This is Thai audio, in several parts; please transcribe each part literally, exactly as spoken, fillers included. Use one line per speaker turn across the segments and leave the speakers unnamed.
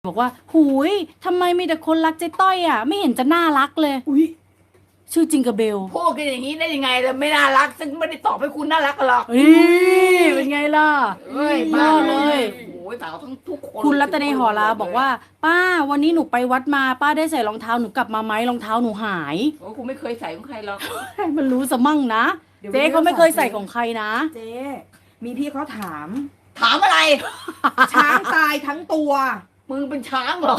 บอกว่าหูยทำไมมีแต่คนรักเจ๊ต้อยอ่ะไม่เห็นจะน่ารักเลยอุ้ยชื่อจิงกระเบล
พูดกันอย่างนี้ได้ยังไงล่ะไม่น่ารักซึ่งไม่ได้ตอบให้คุณน่ารักหรอก
นี่เป็นไงล่ะ
เอ้ย
ยอดเลย
โอ้ยสาวทั้งทุกคน
คุณรัตเนหอลาบอกว่าป้าวันนี้หนูไปวัดมาป้าได้ใส่รองเท้าหนูกลับมาไหมรองเท้าหนูหาย
โอ้คุณไม่เคยใส่ของใครหรอก
ให้มันรู้ซะมั่งนะเจ๊เขาไม่เคยใส่ของใครนะ
เจ๊มีพี่เขาถาม
ถามอะไร
ช้างตายทั้งตัว
มึงเป็นช้างเหรอ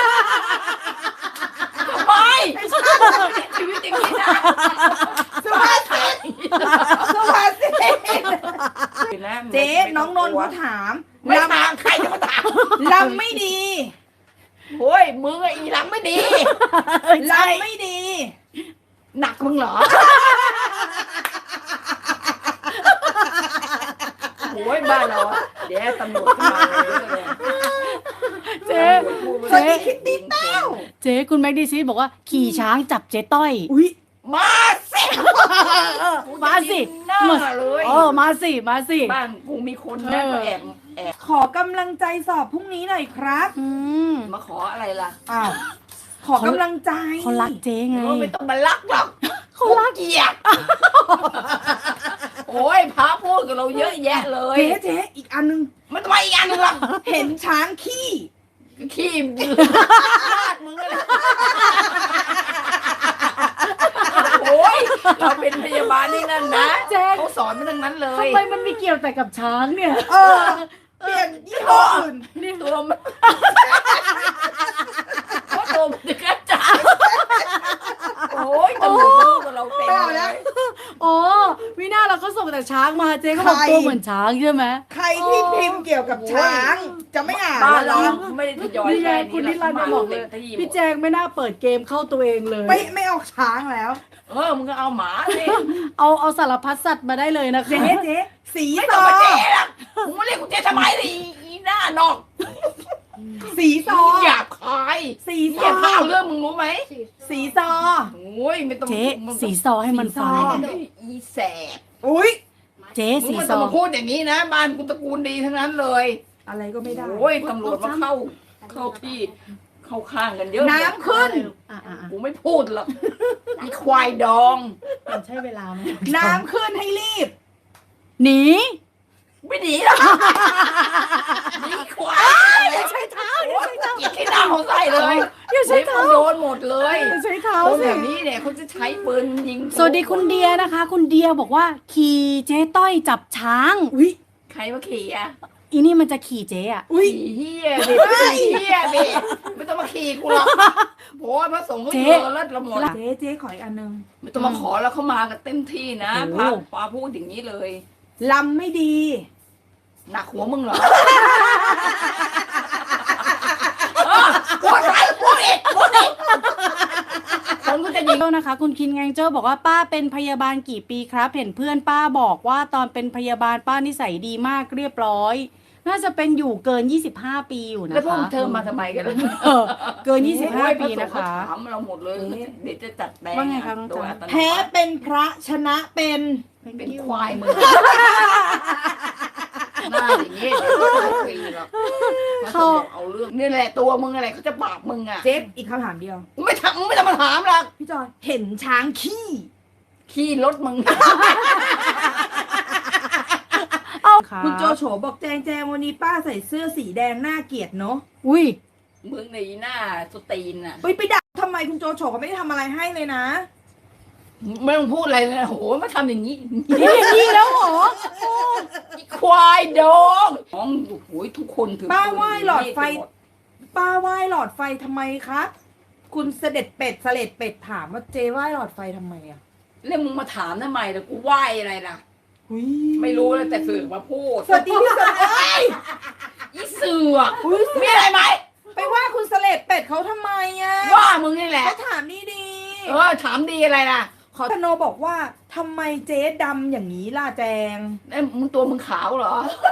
ทำไมชีวิตอย่างนี้นะ
สุภาษิตสุภาษิตเจ๊น้องนนท์เขาถาม
ไม่ถามใครจะมาถาม
ลำไม่ดี
โอ้ยมึงไอ้ลำไม่ดี
ลำไม่ดี
หนักมึงเหรอโอ้ยบ้านเราเดี๋ยวตำรวจมาเลย
เจ๊
เจ๊คิดดีเต้า
เจ๊คุณแม็กดีซีบอกว่าขี่ช้างจับเจ๊ต้อย
อุ้ย
มาสิ
มาสิ
มาเลย
เออมาสิมาสิ
บ้านกูมีคนนะก็แอบแอบ
ขอกำลังใจสอบพรุ่งนี้หน่อยครับ
อืม
มาขออะไรล่ะ
อ้าวขอกำลังใจ
เขารักเจ๊ไง
ไม่ต้องมารักหรอกเขารักเกียรติโอ้ยพระพูดกับเราเยอะแยะเลย
เจ๊เจ๊อีกอันนึง
มันทำไมอีกอันนึงล่ะ
เห็นช้างขี้
ขี้มึงอะไรโอ้ยเราเป็นพยาบาลนี่นั่นนะเขาสอนมาทั้งนั้นเลย
ทำไมมันมีเกี่ยวแต่กับช้างเนี่ย
เออเปลี่ยนยี่ห้ออื่น
นี่ตัวมันก็ตัวมันจะกระจายโอ้ยตำรวจรู้กับเราเต็มเลย
อ๋อวิน่าเราก็ส่งแต่ช้างมาเจ๊ก็บอกตัวเหมือนช้างใช่ไหม
ใครที่พิมพ์เกี่ยวกับช้างจะไม่อ่าน
บ้านเราไม่ได้ทยอย
นี่ไงคุณนิรันดร์บอกเลยพี่แจงไม่น่าเปิดเกมเข้าตัวเองเลย
ไม่ไม่เอาช้างแล้ว
เออมึงก็เอาหมาสิ
เอาเอาสารพัดสัตว์มาได้เลยนะคะ
เจ๊เจ๊สี
ซอเจ๊ละมึงมาเรียกกูเจ๊ทำไมล่ะอีหน้านอก
สีซอ
หยาบคาย
สีซอ
ข้าวเรื่องมึงรู้ไหม
สีซอ
โอ้ยไม่ต้อง
เจ๊สีซอให้มันฟัง
อีแสบ
อุ้ย
เจ๊สีซอ
มาพูดอย่างนี้นะบ้านกูตระกูลดีทั้งนั้นเลย
อะไรก็ไม่ได้
โอ้ยตำรวจมาเข้าเข้าที่เข้าข้างกันเยอะ
น้ำขึ้น
กูไม่พูดหรอกอีควายดอง
มันใช่เวลาไหม
น้ำขึ้นให้รีบ
หนี
ไม่หนีหรอกนี่ควาย
อย่าใช้เท้าอย่าใช้เท้า
อย่าใช้เท้าเขาใส่เลย
อย่าใช้เท้า
โดนหมดเลย
อย่าใช้เท้า
คนแบบนี้เนี่ยเขาจะใช้ปืนยิง
สวัสดีคุณเดียนะคะคุณเดียบอกว่าขี่เจ๊ต้อยจับช้าง
อุ้ย
ใครมาขี่อ่ะ
อีนี่มันจะขี่เจ๊อ่ะ
อุ้ยเฮียเด็กเฮียเด็กไม่ต้องมาขี่กูหรอกโอ้ยพระสงฆ์ก็เยอะแล้วละหมด
เจ๊เจ๊ขออีกอันนึง
ไม่ต้องมาขอแล้วเขามากันเต็มที่นะพาปาพูดอย่างนี้เลย
ลำไม่ดี
หนักหัวมึงเหรอพูดอะไรพูดอีกพูดอีกคนก็จะยิง
นะคะคุณคินแงงเจ้าบอกว่าป้าเป็นพยาบาลกี่ปีครับเห็นเพื่อนป้าบอกว่าตอนเป็นพยาบาลป้านิสัยดีมากเรียบร้อยน่าจะเป็นอยู่เกินยี่สิบห้าปีอยู่นะคะ
แล้วพวกเธอมาทำไมกันล่ะ
เกินยี่สิบห้าปีนะคะ
ถามเราหมดเลยเดี๋ยวจะจัดแบง
ว่าไงคะน้องจ๋า
แพ้เป็นพระชนะเป็น
เป็นควายมึงหน้าอย่างนี้ปีหรอกเขาเอาเรื่องนี่แหละตัวมึงอะไรเขาจะปราบมึงอ่ะ
เจ๊อีกคำถามเดียว
ไม่ทำไม่ต้องมาถามหรอก
พี่จอยเห็นช้างขี้
ขี้รถมึง
คุณโจโฉบอกแจงแจงวันนี้ป้าใส่เสื้อสีแดงน่าเกลียดเนาะ
อุ้ย
มึงในหน้าสตีนอ่ะ
ไปไปด่าทำไมคุณโจโฉเขาไม่ได้ทำอะไรให้เลยนะ
ไม่ต้องพูดอะไรเลยโหมาทำอย่างนี้
อย่างนี้แล้วเหรอ
ควายดองน้องโอ้ยทุกคนถือ
ป้าไหว้หลอดไฟป้าไหว้หลอดไฟทำไมครับคุณเสด็จเป็ดเสด็จเป็ดถามว่าเจไหว้หลอดไฟทำไมอ่ะ
แล้วมึงมาถามทำไมล่ะกูไหว้อะไรล่ะไม่รู้แล้วแต่สื่อมาพูด
สวัสดีพี่สวัสดี
อีเสือมีอะไรไหม
ไปว่าคุณเสด็จเป็ดเขาทำไมอ่ะ
ว่ามึงนี่แหละ
เขาถามดีดี
เออถามดีอะไรล่ะ
ขอธโนบอกว่าทำไมเจ๊ดำอย่างนี้ล่ะแจง
เอ้มึงตัวมึงขาวเหรอ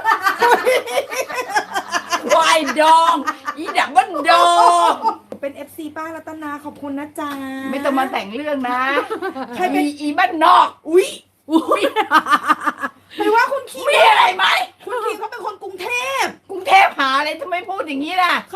ควายดองอีดักมันดอง
เป็น เอฟ ซี ป้ารัตนาขอบคุณนะจ๊ะ
ไม่ต้องมาแต่งเรื่องนะใครเป็นอีบ้านนอก
อุ้ยอุ้ยไม่ว่าคุณคี
มีอะไรไหม
คุณคีเขาเป็นคนกรุงเทพ
กรุงเทพหาอะไรทำไมพูดอย่างนี้ล่ะ